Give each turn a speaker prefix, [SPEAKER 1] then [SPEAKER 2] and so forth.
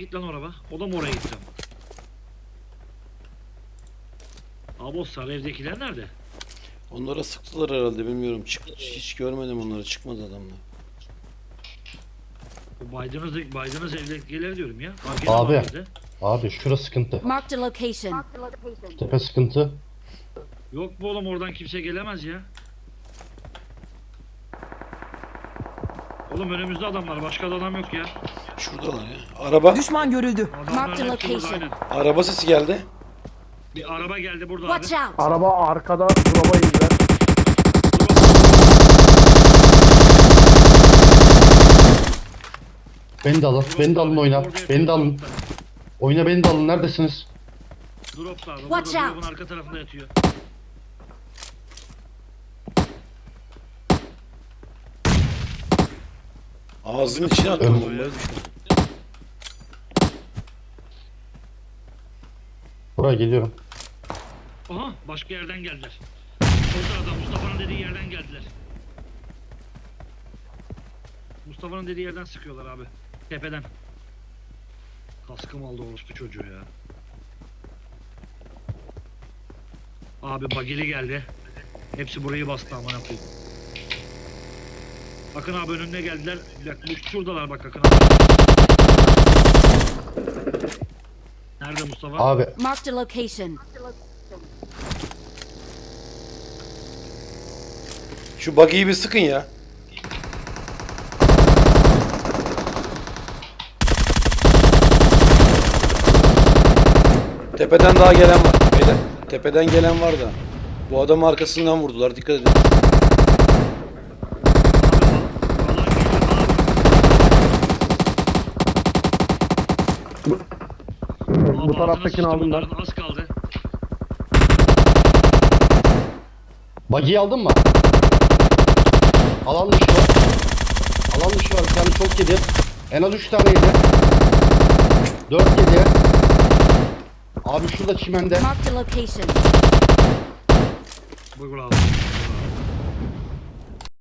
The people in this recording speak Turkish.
[SPEAKER 1] git lan o araba. O da mı oraya gitti? Abi o sarı evdekiler nerede?
[SPEAKER 2] Onlara sıktılar herhalde, bilmiyorum. Hiç görmedim onları, çıkmadı adamlar.
[SPEAKER 1] O baydınız evdekiler diyorum ya. Gene
[SPEAKER 3] Abi.
[SPEAKER 1] var bizde.
[SPEAKER 3] Abi şurası sıkıntı.
[SPEAKER 4] Marked a location.
[SPEAKER 3] Tepe sıkıntı.
[SPEAKER 1] Yok mu oğlum, oradan kimse gelemez ya. Oğlum önümüzde adamlar, başka da adam yok ya.
[SPEAKER 2] Şuradalar ya. Araba.
[SPEAKER 5] Düşman görüldü.
[SPEAKER 1] Adamların
[SPEAKER 4] Marked
[SPEAKER 1] hepsi burada,
[SPEAKER 4] location.
[SPEAKER 1] aynen.
[SPEAKER 2] Araba sesi geldi.
[SPEAKER 1] Bir araba geldi burada
[SPEAKER 4] Watch
[SPEAKER 1] abi.
[SPEAKER 4] out!
[SPEAKER 6] Araba arkada drop'a indiler.
[SPEAKER 3] Beni de alın. Beni de alın oyna.
[SPEAKER 1] Orada
[SPEAKER 3] Beni de alın.
[SPEAKER 1] yatıyor,
[SPEAKER 3] Oyna beni de alın. Neredesiniz?
[SPEAKER 1] Drop'ta abi.
[SPEAKER 4] Watch
[SPEAKER 1] Burada
[SPEAKER 4] out.
[SPEAKER 1] drop'un arka tarafında yatıyor.
[SPEAKER 2] Ağzının içine attım bombayı.
[SPEAKER 3] Buraya geliyorum.
[SPEAKER 1] Aha, başka yerden geldiler. Orada adam, Mustafa'nın dediği yerden geldiler. Mustafa'nın dediği yerden sıkıyorlar abi. Tepeden. Kaskım aldı orospu çocuğu ya. Abi bagili geldi. Hepsi burayı bastı aman yapayım. Akın abi önüne geldiler. Bir dakika, şuradalar bak Akın abi. Nerede Mustafa?
[SPEAKER 3] Abi
[SPEAKER 4] Marked a location.
[SPEAKER 2] Şu buggy'yi bir sıkın ya. Tepeden daha gelen var. Beyler, tepeden gelen var da. Bu adamı arkasından vurdular. Dikkat edin.
[SPEAKER 6] Bu taraftakini aldım ben.
[SPEAKER 1] Az kaldı.
[SPEAKER 3] buggy'yi aldın mı? Alan dışı var. Alan dışı var. Bir tane çok yedi. En az 3 tane yedi. 4 yedi. Abi şurada çimende.
[SPEAKER 4] Marked a location.
[SPEAKER 1] Buyur abi.